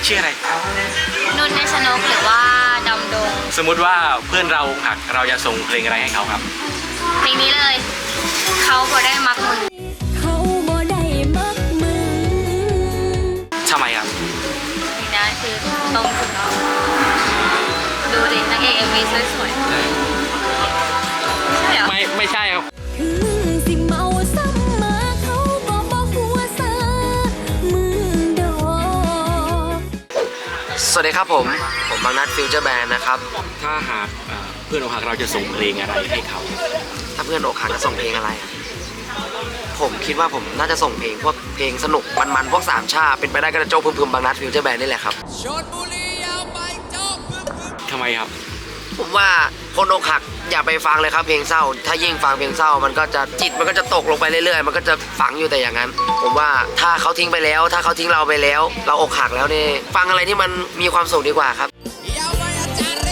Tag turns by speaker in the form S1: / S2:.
S1: ชื่ออะไร
S2: นุ่นเนชนกหรือว่าดำดง
S1: สมมุติว่าเพื่อนเราหักเราจะส่งเพลงอะไรให้เขาครับ
S2: เพลงนี้เลยเขาบ่ได้มักมึง
S3: เขาบ่ได้มักมึง
S1: ทำไมครับ
S2: นี่นะคือตรงถึงเนาะดูดินางเอกMVสวยๆใช่เหรอ
S1: ไม่ใช่ครับ
S3: ถึงสิเมาซ้ำมาเขาก็บ่หัวซามึงดอก
S4: สวัสดีครับผมบางนัดฟิวเจอร์แบนด์นะครับ
S1: ถ้าหากเพื่อนอกหักเราจะส่งเพลงอะไรให้เขา
S4: ถ้าเพื่อนอกหักจะส่งเพลงอะไรอะผมคิดว่าผมน่าจะส่งเพลงพวกเพลงสนุกมันๆพวกสามชาเป็นไปได้ก็จะโจ๊กพึมๆบางนัดฟิวเจอร์แบนด์นี่แหละครับ
S1: ทำไมครับ
S4: ผมว่าคนอกหักอย่าไปฟังเลยครับเพลงเศร้า ถ้ายิ่งฟังเพลงเศร้ามันก็จะจิตมันก็จะตกลงไปเรื่อยๆมันก็จะฝังอยู่แต่อย่างนั้น ผมว่าถ้าเขาทิ้งไปแล้ว ถ้าเขาทิ้งเราไปแล้ว เราอกหักแล้วนี่ฟังอะไรที่มันมีความสุขดีกว่าครับ